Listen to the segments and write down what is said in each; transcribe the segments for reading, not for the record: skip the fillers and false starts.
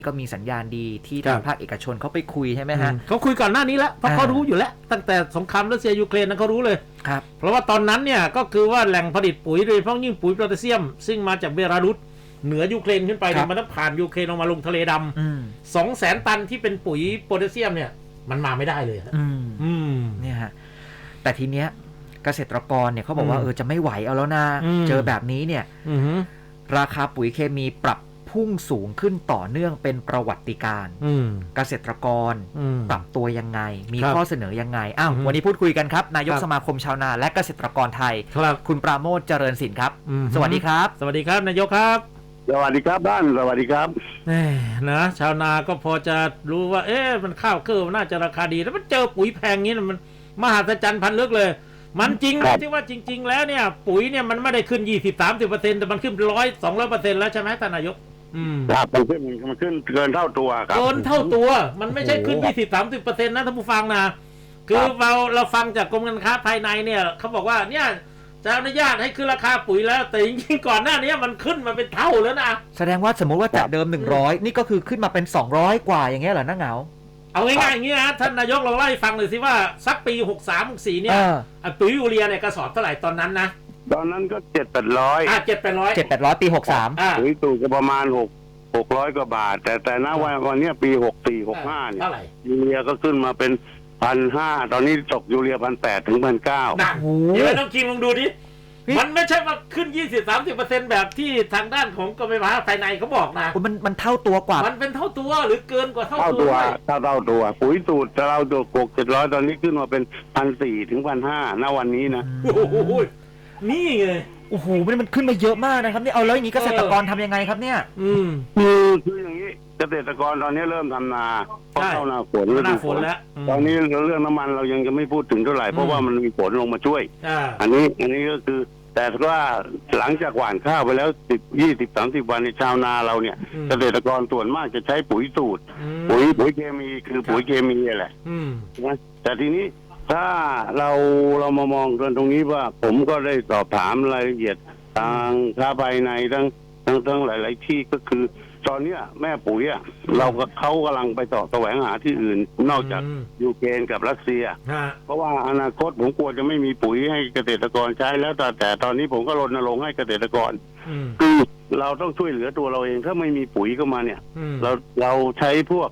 ก็มีสัญญาณดีที่ทางภาคเอกชนเขาไปคุยใช่ไหมฮะเขาคุยก่อนหน้านี้แล้วเพราะเขารู้อยู่แล้วตั้งแต่สงครามรัสเซียยูเครนนั้นเขารู้เลยครับเพราะว่าตอนนั้นเนี่ยก็คือว่าแหล่งผลิตปุ๋ยโดยเฉพาะยิ่งปุ๋ยโพแทสเซียมซึ่งมาจากเบลารุสเหนือยูเครนขึ้นไปเนี่ยมันต้องผ่านยูเครนลงมาลงทะเลดำ200,000 ตันที่เป็นปุ๋ยโพแทสเซียมเนี่ยมันมาไม่ได้เลยเนี่ยฮะแต่ทีเนี้ยเกษตรกรเนี่ยเขาบอกว่าจะไม่ไหวเอาแล้วนะเจอแบบนี้เนี่ยราคาปุ๋ยเคมีปรับพุ่งสูงขึ้นต่อเนื่องเป็นประวัติการณ์เกษตรกรปรับตัวยังไงมีข้อเสนอยังไงวันนี้พูดคุยกันครับนายกสมาคมชาวนาและเกษตรกรไทยคุณปราโมชเจริญสินครับสวัสดีครับสวัสดีครับนายกครับสวัสดีครับบ้านสวัสดีครับนะชาวนาก็พอจะรู้ว่ามันข้าวเกลือน่าจะราคาดีแล้วมันเจอปุ๋ยแพงงี้มันมหัศจรรย์พันลึกเลยมันจริงไหมที่ว่าจริงๆแล้วเนี่ยปุ๋ยเนี่ยมันไม่ได้ขึ้น 20-30% แต่มันขึ้น 100-200% แล้วใช่ไหมท่านนายกครับมันขึ้นเกินเท่าตัวครับเกินเท่าตัวมันไม่ใช่ขึ้น 20-30% นะท่านผู้ฟังนะคือเราฟังจากกรมการค้าภายในเนี่ยเขาบอกว่าเนี่ยจะอนุญาตให้ขึ้นราคาปุ๋ยแล้วแต่จริงๆก่อนหน้านี้มันขึ้นมาเป็นเท่าแล้วนะแสดงว่าสมมติว่าจากเดิม100นี่ก็คือขึ้นมาเป็น200กว่าอย่างเงี้ยเหรอน้าเหงาเอาง่ายๆอย่างนี้นะท่านนายกเราไล่ฟังหน่อยสิว่าสักปี63-64เนี่ยปุ๋ยยูเรียเนี่ยกระสอบเท่าไหร่ตอนนั้นนะตอนนั้นก็700-800 700ปี63 ปุ๋ยตู่ก็ประมาณ600 กว่าบาทแต่ณวันนี้ปี64-65เนี่ยยูเรียก็ขึ้นมาเป็น 1,500 ตอนนี้ตกยูเรีย 1,800 ถึง 1,900 หนักเดี๋ยวต้องคิงลองดูดิมันไม่ใช่ว่าขึ้น 20-30% แบบที่ทางด้านของกรมการค้าภายในเขาบอกนะมันเท่าตัวกว่ามันเป็นเท่าตัวหรือเกินกว่าเท่าตัวเท่าตัวปุ๋ยสูตรเราตัวก700ตอนนี้ขึ้นมาเป็น 1,400 ถึง 1,500 ณวันนี้นะโอ้โหนี่ไงโอ้โหมันขึ้นมาเยอะมากนะครับนี่เอาแล้วอย่างนี้เกษตรกรทำยังไงครับเนี่ยคืออย่างนี้เกษตรกรตอนนี้เริ่มทำนาเพราะเข้าหน้าฝนแล้วตอนนี้เรื่องน้ำมันเรายังจะไม่พูดถึงเท่าไหร่เพราะว่ามันมีฝนลงมาช่วยอันนี้ก็คือแต่ว่าหลังจากหว่านข้าวไปแล้ว10-20-30 วันในชาวนาเราเนี่ยเกษตรกรส่วนมากจะใช้ปุ๋ยสูตรปุ๋ยเคมีคือปุ๋ยเคมีแหละนะแต่ทีนี้ถ้าเรามามองกันตรงนี้ว่าผมก็ได้สอบถามรายละเอียดทางค้าภายในทั้งหลายๆที่ก็คือตอนนี้แม่ปุ๋ยเขากำลังไปต่อแสวงหาที่อื่นนอกจากยูเครนกับรัสเซียเพราะว่าอนาคตผมกลัวจะไม่มีปุ๋ยให้เกษตรกรใช้แล้วแต่ตอนนี้ผมก็รณรงค์ให้เกษตรกรคือเราต้องช่วยเหลือตัวเราเองถ้าไม่มีปุ๋ยเข้ามาเนี่ยเราใช้พวก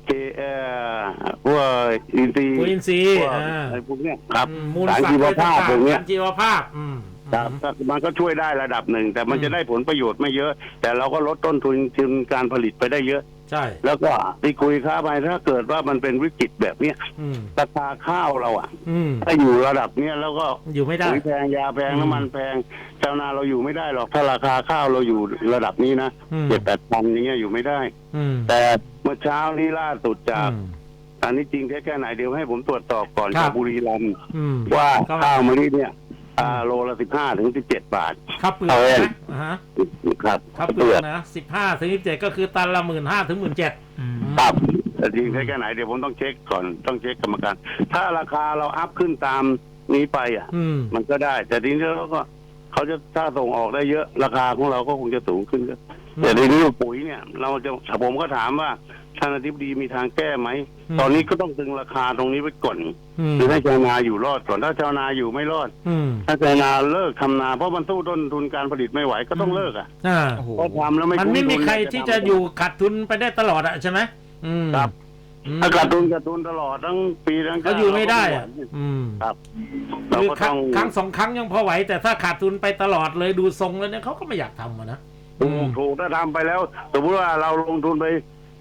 อินทรีย์อะไรพวกเนี้ยครับสารชีวภาพพวกเนี้ยมันก็ช่วยได้ระดับหนึ่งแต่มันจะได้ผลประโยชน์ไม่เยอะแต่เราก็ลดต้นทุนการผลิตไปได้เยอะใช่แล้วก็ที่คุยค้าไปถ้าเกิดว่ามันเป็นวิกฤตแบบเนี้ยราคาข้าวเราถ้าอยู่ระดับเนี้ยแล้วก็อยู่ไม่ได้ปุ๋ยแพงยาแพงน้ำมันแพงชาวนาเราอยู่ไม่ได้หรอกถ้าราคาข้าวเราอยู่ระดับนี้นะ7-8 พันอย่างเงี้ยอยู่ไม่ได้แต่เมื่อเช้านี้ล่าสุดจากอันนี้จริงแค่ไหนเดี๋ยวให้ผมตรวจสอบก่อนจากบุรีรัมย์ว่าข้าวมะลิเนี่ยโลละ15-17 บาทครับเปลือกนะครับเปลือกนะ15-17ก็คือตันละ 15,000 ถึง 17,000 ครับแต่จริงแค่ไหนเดี๋ยวผมต้องเช็คก่อนต้องเช็คกรรมการถ้าราคาเราอัพขึ้นตามนี้ไปมันก็ได้แต่ทีนี้เราก็เขาจะถ้าส่งออกได้เยอะราคาของเราก็คงจะสูงขึ้นแต่ทีนี้ปุ๋ยเนี่ยผมก็ถามว่าท่านอธิบดีมีทางแก้ไหมตอนนี้ก็ต้องดึงราคาตรงนี้ไว้ก่อนคือให้ชาวนาอยู่รอดก่อนถ้าชาวนาอยู่ไม่รอดถ้าชาวนาเลิกทำนาเพราะมันสู้ต้นทุนการผลิตไม่ไหวก็ต้องเลิกเพราะทำแล้วมันไม่มีใครที่จะอยู่ขาดทุนไปได้ตลอดใช่ไหมครับถ้าขาดทุนตลอดทั้งปีทั้งเขาอยู่ไม่ได้ครับคือครั้ง2 ครั้งยังพอไหวแต่ถ้าขาดทุนไปตลอดเลยดูทรงแล้วเนี่ยเขาก็ไม่อยากทำนะถูกถ้าทำไปแล้วสมมติว่าเราลงทุนไป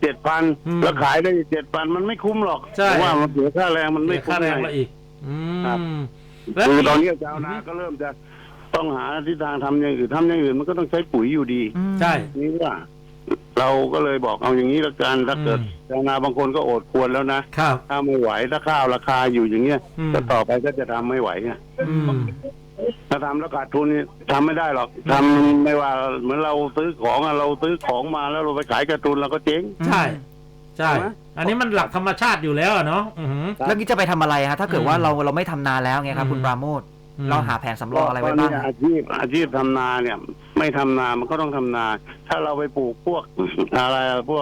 7,000แล้วขายได้ 7,000 มันไม่คุ้มหรอกเพราะว่ามันเสียค่าแรงมันไม่คุ้มค่าแรงละอีกคือตอนนี้ชาวนาก็เริ่มจะต้องหาทิศทางทำอย่างอื่นมันก็ต้องใช้ปุ๋ยอยู่ดีใช่นี่ว่าเราก็เลยบอกเอาอย่างนี้ละกันถ้าเกิดชาวนาบางคนก็อดควรแล้วนะถ้าไม่ไหวถ้าข้าวราคาอยู่อย่างเงี้ยก็ต่อไปก็จะทำไม่ไหวไงถ้าทำแล้วขาดทุนทำไม่ได้หรอกทำไม่ว่าเหมือนเราซื้อของมาแล้วเราไปขายขาดทุนเราก็เจ๊งใช่อันนี้มันหลักธรรมชาติอยู่แล้วเนาะแล้วนี่จะไปทำอะไรฮะถ้าเกิดว่าเราไม่ทำนาแล้วไงครับคุณปราโมชเราหาแผนสำรองอะไรไว้บ้างอาชีพทำนาเนี่ยไม่ทำนามันก็ต้องทำนาถ้าเราไปปลูกพวกอะไรพวก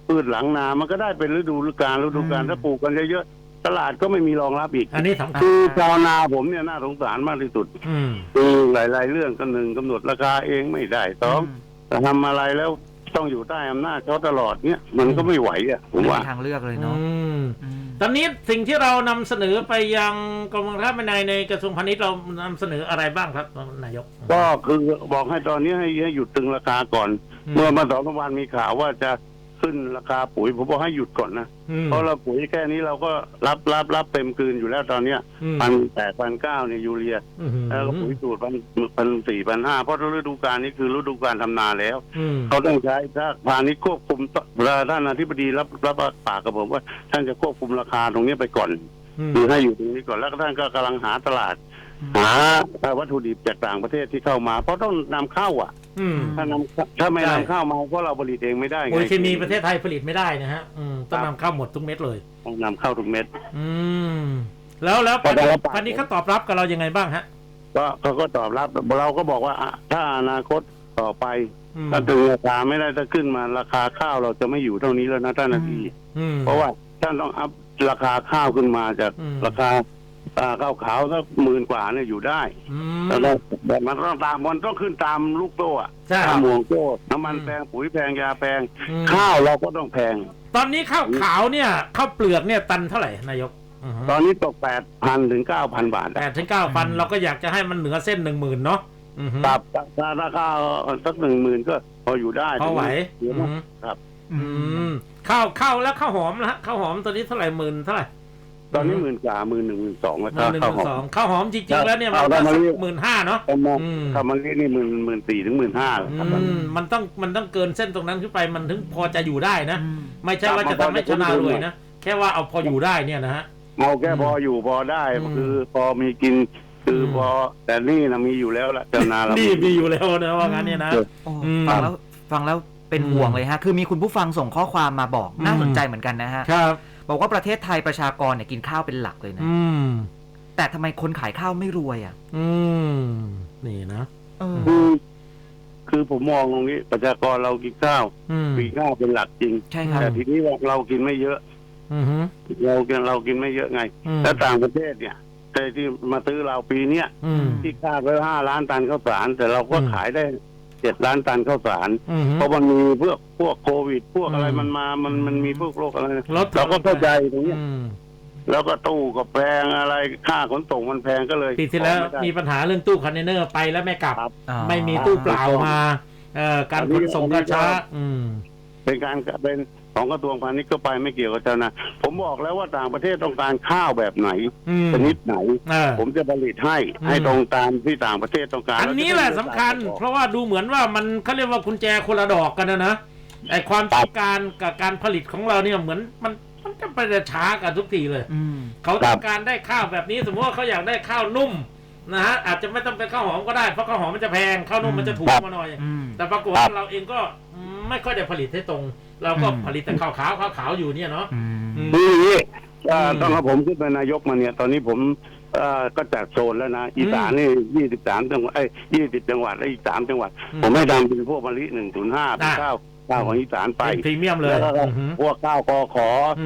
พืชหลังนามันก็ได้เป็นฤดูกาลถ้าปลูกกันเยอะๆตลาดก็ไม่มีรองรับอีกอันนี้สำคัญคือชาวนาผมเนี่ยน่าสงสารมากที่สุดคือหลายๆเรื่องก็หนึ่งกำหนดราคาเองไม่ได้สองแต่ทำอะไรแล้วต้องอยู่ใต้อำนาจเขาตลอดเนี่ยมันก็ไม่ไหวอ่ะผมว่าไม่มีทางเลือกเลยเนาะตอนนี้สิ่งที่เรานำเสนอไปยังกรมการค้าภายในในกระทรวงพาณิชย์เรานำเสนออะไรบ้างครับนายกก็คือบอกให้ตอนนี้ให้หยุดตึงราคาก่อน เมื่อมา2 วันมีข่าวว่าจะขึ้นราคาปุ๋ยผมบอกให้หยุดก่อนนะเพราะเราปุ๋ยแค่นี้เราก็รับเต็มคืนอยู่แล้วตอนเนี้ย1,800-1,900เนี่ยยูเรียแล้วก็ปุ๋ยสูตร1,400-1,500เพราะฤดูกาลนี้คือฤดูกาลทำนาแล้วเขาต้องใช้ถ้าพาณิชย์ควบคุมท่านอธิบดีรับปากกับผมว่าท่านจะควบคุมราคาตรงนี้ไปก่อนคือให้อยู่ตรงนี้ก่อนแล้วท่านก็กำลังหาตลาดหาวัตถุดิบจากต่างประเทศที่เข้ามาเพราะต้องนำเข้าอ่ะถ้าไม่นำเข้ามาเพราะเราผลิตเองไม่ได้ไงปุ๋ยเคมีประเทศไทยผลิตไม่ได้นะฮะต้องนำเข้าหมดทุกเม็ดเลยต้องนำเข้าทุกเม็ดแล้วพาณิชย์เขาตอบรับกับเรายังไงบ้างฮะก็เขาก็ตอบรับเราก็บอกว่าถ้าอนาคตต่อไปถ้าตึงราคาไม่ได้ถ้าขึ้นมาราคาข้าวเราจะไม่อยู่เท่านี้แล้วนะท่านนาทีเพราะว่าท่านต้องอัพราคาข้าวขึ้นมาจากราคาข้าวขาวสัก10,000 กว่าเนี่ยอยู่ได้แต่มันต้องขึ้นตามลูกโซ่ตามห่วงโซ่น้ำมันแพงปุ๋ยแพงยาแพงข้าวเราก็ต้องแพงตอนนี้ข้าวขาวเนี่ยข้าวเปลือกเนี่ยตันเท่าไหร่นายกตอนนี้ตก 8,000 ถึง 9,000 บาท 8,000 ถึง 9,000เราก็อยากจะให้มันเหนือเส้น 10,000เนาะครับราคาสัก 10,000 ก็พออยู่ได้พอไหวครับข้าวแล้วข้าวหอมนะฮะข้าวหอมตอนนี้เท่าไหร่10,000เท่าไหร่ตอนนี้10,000 กว่า 12,000 แล้วก็ข้าวหอมจริงๆแล้วเนี่ยมันก็15,000เนาะข้าวมะลินี่14,000 ถึง 15,000 มันต้องเกินเส้นตรงนั้นขึ้นไปมันถึงพอจะอยู่ได้นะไม่ใช่ว่าจะทำให้ชนะรวยนะแค่ว่าเอาพออยู่ได้เนี่ยนะฮะเอาแค่พออยู่พอได้คือพอมีกินคือพอแต่นี่นะมีอยู่แล้วละชนะเรานี่มีอยู่แล้วนะว่างั้นเนี่ยนะฟังแล้วเป็นห่วงเลยฮะคือมีคุณผู้ฟังส่งข้อความมาบอกน่าสนใจเหมือนกันนะฮะบอกว่าประเทศไทยประชากรเนี่ยกินข้าวเป็นหลักเลยนะแต่ทำไมคนขายข้าวไม่รวยอ่ะนี่นะคือผมมองตรงนี้ประชากรเรากินข้าวเป็นหลักจริงแต่ทีนี้เรากินไม่เยอะเรากินไม่เยอะไงแล้วต่างประเทศเนี่ยที่มาซื้อเราปีเนี้ยที่คาดไว้5 ล้านตันข้าวสารแต่เราก็ขายได้7 ล้านตันข้าวสารเพราะมันมีพวกโควิดพวกอะไรมันมีพวกโรคอะไรเราก็เข้าใจตรงนี้แล้วก็ตู้ก็แพงอะไรค่าขนส่งมันแพงก็เลยปีที่แล้วมีปัญหาเรื่องตู้คอนเทนเนอร์ไปแล้วไม่กลับไม่มีตู้เปล่ามาการขนส่งก็ช้าเป็นของกระทรวงพาณิชย์ก็ไปไม่เกี่ยวกับชาวนาผมบอกแล้วว่าต่างประเทศต้องการข้าวแบบไหนชนิดไหนผมจะผลิตให้ตรงตามที่ต่างประเทศต้องการอันนี้แหละสำคัญเพราะว่าดูเหมือนว่ามันเขาเรียกว่ากุญแจคนละดอกกันนะไอความต้องการกับการผลิตของเราเนี่ยเหมือนมันจะไปช้ากันทุกทีเลยเขาต้องการได้ข้าวแบบนี้สมมติว่าเขาอยากได้ข้าวนุ่มนะฮะอาจจะไม่ต้องเป็นข้าวหอมก็ได้เพราะข้าวหอมมันจะแพงข้าวนุ่มมันจะถูกมาหน่อยแต่ปรากฏว่าเราเองก็ไม่ค่อยได้ผลิตให้ตรงเราก็ผลิตแต่ข้าวขาวอยู่เนี่ยเนาะนี่ต้องเอาผมขึ้นเป็นนายกมาเนี่ยตอนนี้ผมก็จัดโซนแล้วนะอีสานนี่23 จังหวัด20 จังหวัดและอีก3 จังหวัดผมให้ทำเป็นพวกมะลิ105เป็นข้าวของอีสานไปพรีเมียมเลยพวกข้าวกข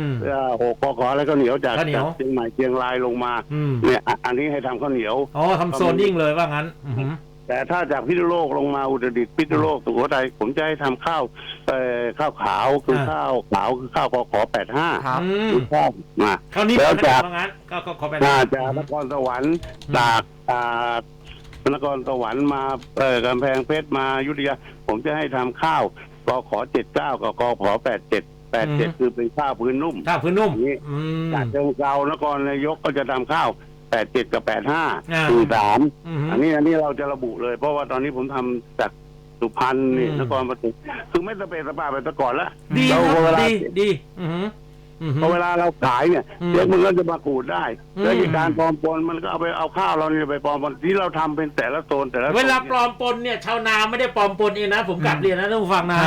6กขแล้วก็เหนียวจากเชียงใหม่เชียงรายลงมาเนี่ยอันนี้ให้ทำข้าวเหนียวทำโซนยิ่งเลยว่างั้นแต่ถ้าจากพิษณุโลกลงมาอุตรดิตถ์พิษณุโลกสุโขทัยผมจะให้ทำข้าวขาวคือข้าวขาวคือข้าวกข85คือข้าวมาแล้วจากจากนครสวรรค์จากนครสวรรค์มากำแพงเพชรมาอยุธยาผมจะให้ทำข้าวกข79กับกข87คือเป็นข้าวพื้นนุ่มนี้จากเชียงรายนครนายกก็จะทำข้าว87กับ85คือ3อันนี้เราจะระบุเลยเพราะว่าตอนนี้ผมทำจากสุพรรณนี่นครปฐมคือไม่สเปซสปาไปแต่ก่อนแล้วดีพอเวลาเราขายเนี่ยเดี๋ยวมันก็จะมาขูดได้แล้วการปลอมปนมันก็เอาข้าวเราเนี่ยไปปลอมปนที่เราทำเป็นแต่ละโซนเวลาปลอมปนเนี่ยชาวนาไม่ได้ปลอมปนเองนะผมกลับเรียนนะท่านผู้ฟังนะ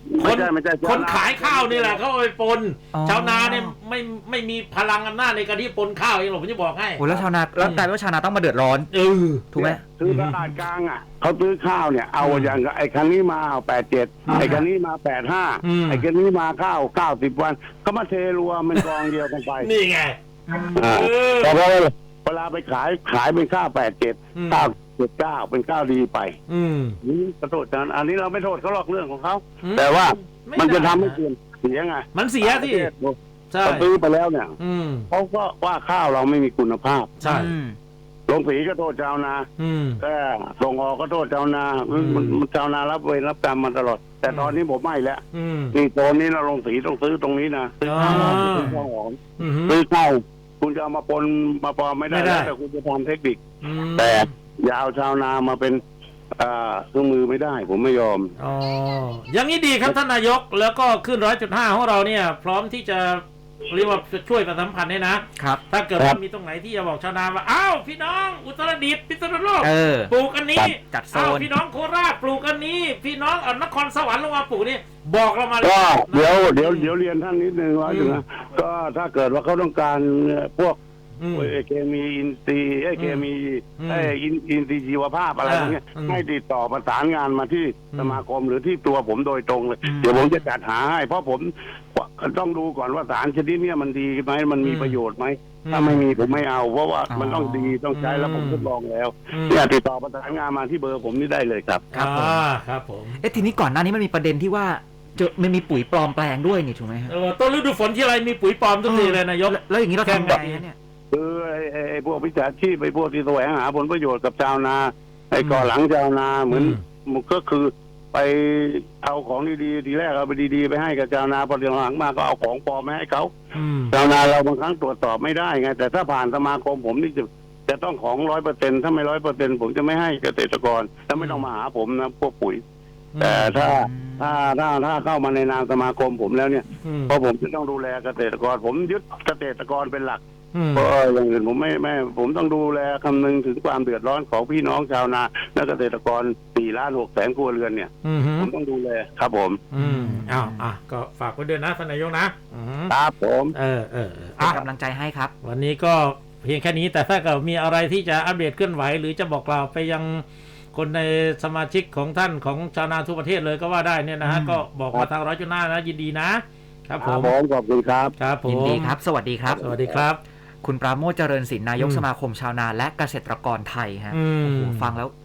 คนขายข้าวนี่แหละเขาเอาไปปนชาวนาเนี่ยไม่มีพลังอำนาจในการที่ปนข้าวเองหรอกผมจะบอกให้โอ้แล้วชาวนาแล้วกลายเป็นว่าชาวนาต้องมาเดือดร้อนถูกไหมซื้อตลาดกลางอ่ะเขาซื้อข้าวเนี่ยเอาอย่างไอ้คันนี้มาเอา87ไอ้คันนี้มา85ไอ้คันนี้มาข้าว90 วันก็มาเทรวมเป็นกองเดียวกันไปนี่ไงแต่พอเวลาไปขายเป็นข้าว87ข้าว79เป็นข้าวดีไปนี่ขอโทษนะอันนี้เราไม่โทษเขาหรอกเรื่องของเขาแต่ว่ามันจะทำให้เสียไงมันเสียที่ซื้อไปแล้วเนี่ยเขาก็ว่าข้าวเราไม่มีคุณภาพใช่ลงสีก็โทษชาวนาแต่ส่งออกก็โทษชาวนาชาวนารับเวรรับกรรมมาตลอดแต่ตอนนี้ผมไม่แล้วนี่ตอนนี้เราลงสีต้องซื้อตรงนี้นะซื้อข้าวซื้อข้าวหอมซื้อข้าวคุณจะเอามาปนมาปลอมไม่ได้แต่คุณจะทำเทคนิคแต่อย่าเอาชาวนามาเป็นเครื่องมือไม่ได้ผมไม่ยอมอย่างนี้ดีครับท่านนายกแล้วก็ขึ้น 100.5 ของเราเนี่ยพร้อมที่จะเรียกว่าช่วยประชาสัมพันธ์เนี่ยนะครับถ้าเกิดว่ามีตรงไหนที่จะบอกชาวนาว่าอ้าวพี่น้องอุตรดิตถ์พิษณุโลกปลูกอันนี้จัดโซนพี่น้องโคราชปลูกอันนี้พี่น้องนครสวรรค์ลงมาปลูกนี่บอกเรามาก็เดี๋ยวเรียนท่านนิดนึงว่าถึงนะก็ถ้าเกิดว่าเขาต้องการพวกเคมีอินทรีย์เคมีอินทรีย์ชีวภาพอะไรพวกนี้ให้ติดต่อประสานงานมาที่สมาคมหรือที่ตัวผมโดยตรงเลยเดี๋ยวผมจะจัดหาให้เพราะผมต้องดูก่อนว่าสารชนิดนี้มันดีไหมมันมีประโยชน์ไหมถ้าไม่มีผมไม่เอาเพราะว่ามันต้องดีต้องใช้แล้วผมทดลองแล้วเนี่ยติดต่อประสานงานมาที่เบอร์ผมนี่ได้เลยครับครับผมทีนี้ก่อนหน้านี้มันมีประเด็นที่ว่ามันมีปุ๋ยปลอมแปลงด้วยนี่ถูกไหมฮะต้นฤดูฝนที่ไรมีปุ๋ยปลอมทุกทีเลยนายกแล้วอย่างนี้เราทำแบบนี้เนี่ยคือไอ้พวกวิชาชีพไอ้พวกที่แสวงหาผลประโยชน์กับชาวนาไอ้ก่อหลังชาวนาเหมือนก็คือไปเอาของดีๆทีแรกเอาไปดีๆไปให้กับชาวนาพอหลังมาก็เอาของปลอมมาให้เขาชาวนาเราบางครั้งตรวจสอบไม่ได้ไงแต่ถ้าผ่านสมาคมผมนี่จะต้องของ 100% ถ้าไม่ 100% ผมจะไม่ให้เกษตรกรถ้าไม่ต้องมาหาผมนะพวกปุ๋ยแต่ถ้าเข้ามาในนามสมาคมผมแล้วเนี่ยเพราะผมจะต้องดูแลเกษตรกรผมยึดเกษตรกรเป็นหลักเพราะอย่างอื่นผมไม่ผมต้องดูแลคำนึงถึงความเดือดร้อนของพี่น้องชาวนาและเกษตรกร4,600,000 ครัวเรือนเนี่ยผมต้องดูแลครับผมก็ฝากไว้ด้วยนะท่านนายกนะครับผมเป็นกำลังใจให้ครับวันนี้ก็เพียงแค่นี้แต่ถ้าเกิดมีอะไรที่จะอัปเดตเคลื่อนไหวหรือจะบอกกล่าวไปยังคนในสมาชิกของท่านของชาวนาทั่วประเทศเลยก็ว่าได้เนี่ยนะฮะก็บอกมาทาง100.5นะยินดีนะครับผมขอบคุณครับครับผมยินดีครับสวัสดีครับสวัสดีครับคุณปราโมช เจริญศิลป์นายกสมาคมชาวนาและเกษตรกรไทยฮะฟังแล้ว